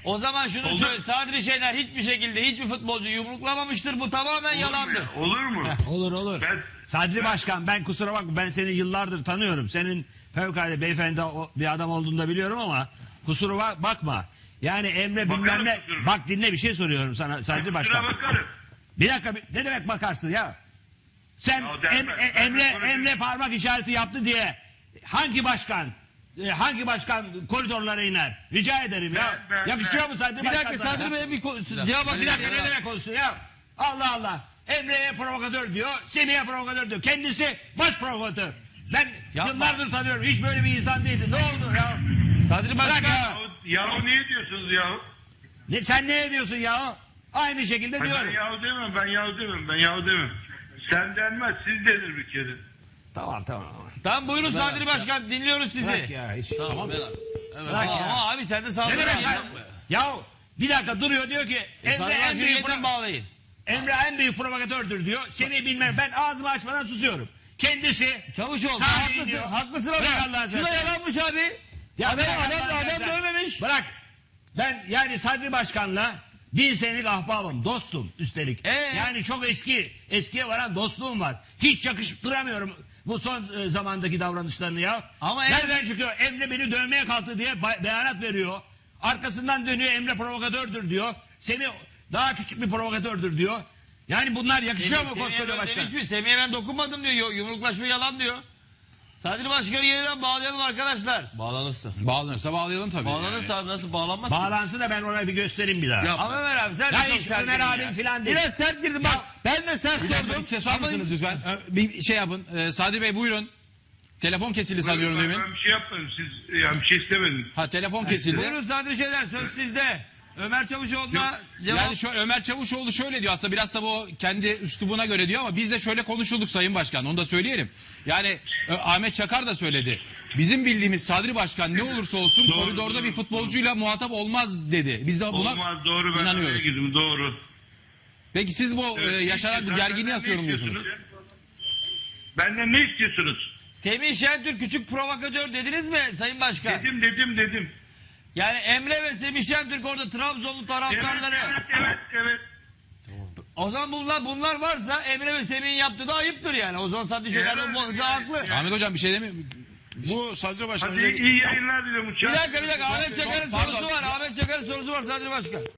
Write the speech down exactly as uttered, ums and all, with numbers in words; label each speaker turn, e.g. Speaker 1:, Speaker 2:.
Speaker 1: O zaman şunu
Speaker 2: Olur.
Speaker 1: söyle. Sadri Şener hiçbir şekilde hiçbir futbolcu yumruklamamıştır. Bu tamamen
Speaker 2: Olur
Speaker 1: yalandır.
Speaker 2: mu? Olur mu?
Speaker 3: Olur olur.
Speaker 2: Ben-
Speaker 3: Sadri
Speaker 2: ben-
Speaker 3: Başkan, ben kusura bakma, ben seni yıllardır tanıyorum. Senin fevkalade beyefendi o- bir adam olduğunu da biliyorum ama kusura bak- bakma. Yani Emre
Speaker 2: Bakarım
Speaker 3: bilmem ne.
Speaker 2: kusuruma.
Speaker 3: Bak dinle, bir şey soruyorum sana Sadri
Speaker 2: Kusura
Speaker 3: Başkan.
Speaker 2: bakarım.
Speaker 3: Bir dakika, bir- ne demek bakarsın ya? Sen
Speaker 2: Ya denmez,
Speaker 3: Em- E-
Speaker 2: denmez,
Speaker 3: Emre
Speaker 2: konuşayım.
Speaker 3: Emre parmak işareti yaptı diye hangi başkan e, hangi başkan koridorlara iner? Rica ederim ya.
Speaker 2: Ben- ben-
Speaker 3: Yakışıyor
Speaker 2: ben-
Speaker 3: mu Sadri
Speaker 1: Bir
Speaker 3: Başkan
Speaker 1: dakika
Speaker 3: sana?
Speaker 1: Sadri Bey'e bir ko- cevap
Speaker 3: Bir dakika, ne demek olsun ya? Allah Allah. Emre'ye provokatör diyor, Semih'e provokatör diyor. Kendisi baş provokatör. Ben
Speaker 1: Yapma.
Speaker 3: yıllardır tanıyorum. Hiç böyle bir insan değildi. Ne oldu ya?
Speaker 1: Sadri
Speaker 3: Bırak
Speaker 1: Başkan.
Speaker 3: ya.
Speaker 2: Yahu niye diyorsunuz yahu?
Speaker 3: Ne, sen ne diyorsun ya? Aynı şekilde
Speaker 2: Ben
Speaker 3: diyorum.
Speaker 2: yahu demem, ben yahu demem, ben yahu demem. Sen denmez, siz denir bir kere.
Speaker 3: Tamam tamam.
Speaker 1: Tamam buyurun Sadri Başkan dinliyoruz sizi.
Speaker 3: Bırak ya hiç.
Speaker 4: Tamam. Evet.
Speaker 3: Bırak
Speaker 1: Ama,
Speaker 3: ya.
Speaker 1: ama abi sen de
Speaker 3: Ne
Speaker 1: saldırı
Speaker 3: demek
Speaker 1: ya.
Speaker 3: ya? Ya bir dakika duruyor, diyor ki Emre
Speaker 1: Sadri
Speaker 3: en
Speaker 1: Başkan'ı
Speaker 3: büyük
Speaker 1: getirin
Speaker 3: pro-
Speaker 1: bağlayın.
Speaker 3: Emre en büyük provokatördür diyor. Seni bilmem, ben ağzımı açmadan susuyorum. Kendisi
Speaker 1: Çavuşoğlu
Speaker 3: Sadri
Speaker 1: haklısın.
Speaker 3: diyor.
Speaker 1: Haklısın
Speaker 3: Bırak
Speaker 1: ama.
Speaker 3: Allah'ını
Speaker 1: Şu da
Speaker 3: seversen.
Speaker 1: yalanmış abi.
Speaker 3: Ya
Speaker 1: Adam,
Speaker 3: bırak
Speaker 1: adam,
Speaker 3: Allah'ını
Speaker 1: adam
Speaker 3: seversen.
Speaker 1: dövmemiş.
Speaker 3: Bırak. Ben yani Sadri Başkan'la bin senelik ahbabım, dostum üstelik.
Speaker 1: Ee?
Speaker 3: Yani çok eski, eskiye varan dostluğum var. Hiç yakıştıramıyorum bu son e, zamandaki davranışlarını ya.
Speaker 1: Ama
Speaker 3: nereden çıkıyor? Emre beni dövmeye kalktı diye ba- beyanat veriyor. Arkasından dönüyor, Emre provokatördür diyor. Seni daha küçük bir provokatördür diyor. Yani bunlar yakışıyor mu
Speaker 1: Semih'e
Speaker 3: koskoca
Speaker 1: ben
Speaker 3: başkan?
Speaker 1: demiş mi? Semih'e ben dokunmadım diyor. Yo- Yumruklaşma yalan diyor. Sadri Başkan'ı yeniden bağlayalım arkadaşlar.
Speaker 4: Bağlanırsa. Bağlanırsa bağlayalım tabii.
Speaker 1: Bağlanırsa abi nasıl bağlanmaz ki?
Speaker 3: Bağlansın da ben oraya bir göstereyim bir daha.
Speaker 4: Ya-
Speaker 1: Ama Ömer abi sen
Speaker 3: Ya
Speaker 1: de çok
Speaker 3: hiç
Speaker 1: sert
Speaker 3: Ömer
Speaker 1: girdin
Speaker 3: abim
Speaker 1: ya.
Speaker 3: filan değil.
Speaker 1: Biraz sert girdin bak. Ben de sert
Speaker 4: Bir dakika,
Speaker 1: sordum.
Speaker 4: bir ses alır
Speaker 1: Ama-
Speaker 4: mısınız lütfen? Ee, Bir şey yapın. Ee, Sadi Bey buyurun. Telefon kesildi sanıyorum
Speaker 2: ben,
Speaker 4: demin.
Speaker 2: ben bir şey yapmadım, siz yani bir şey istemedim.
Speaker 4: Ha telefon kesildi.
Speaker 1: Buyurun Sadri Şeyler söz sizde. Ömer Çavuşoğlu'na cevap.
Speaker 4: Yani şu Ömer Çavuşoğlu şöyle diyor, aslında biraz da bu kendi üslubuna göre diyor ama biz de şöyle konuşulduk Sayın Başkan, onu da söyleyelim. Yani e, Ahmet Çakar da söyledi. Bizim bildiğimiz Sadri Başkan ne olursa olsun
Speaker 2: Doğru,
Speaker 4: koridorda
Speaker 2: doğru.
Speaker 4: bir futbolcuyla muhatap olmaz dedi. Biz de buna
Speaker 2: Olmaz, doğru, ben oraya
Speaker 4: inanıyoruz.
Speaker 2: girdim, doğru.
Speaker 4: Peki siz bu e,
Speaker 2: Evet,
Speaker 4: yaşanan bu
Speaker 2: benden
Speaker 4: gerginliği
Speaker 2: ne
Speaker 4: nasıl yorumluyorsunuz?
Speaker 2: istiyorsunuz? Benden ne istiyorsunuz?
Speaker 1: Semih Şentürk küçük provokatör dediniz mi Sayın Başkan?
Speaker 2: Dedim, dedim, dedim.
Speaker 1: Yani Emre ve Semih Şentürk orada Trabzonlu
Speaker 2: Evet,
Speaker 1: taraftarları.
Speaker 2: evet, evet, evet.
Speaker 1: O zaman bunlar bunlar varsa Emre ve Semih'in yaptığı da ayıptır yani. O zaman Sadri Şeyler
Speaker 2: Evet,
Speaker 1: bu konuda
Speaker 2: yani-
Speaker 1: haklı.
Speaker 4: Ahmet Hocam bir şey demiyor.
Speaker 5: Bu Sadri Başkan
Speaker 2: Hadi iyi yayınlar diliyorum.
Speaker 1: Bir dakika bir dakika Ahmet Çakar'ın
Speaker 4: Pardon.
Speaker 1: sorusu var. Ahmet Çakar'ın sorusu var Sadri Başkan.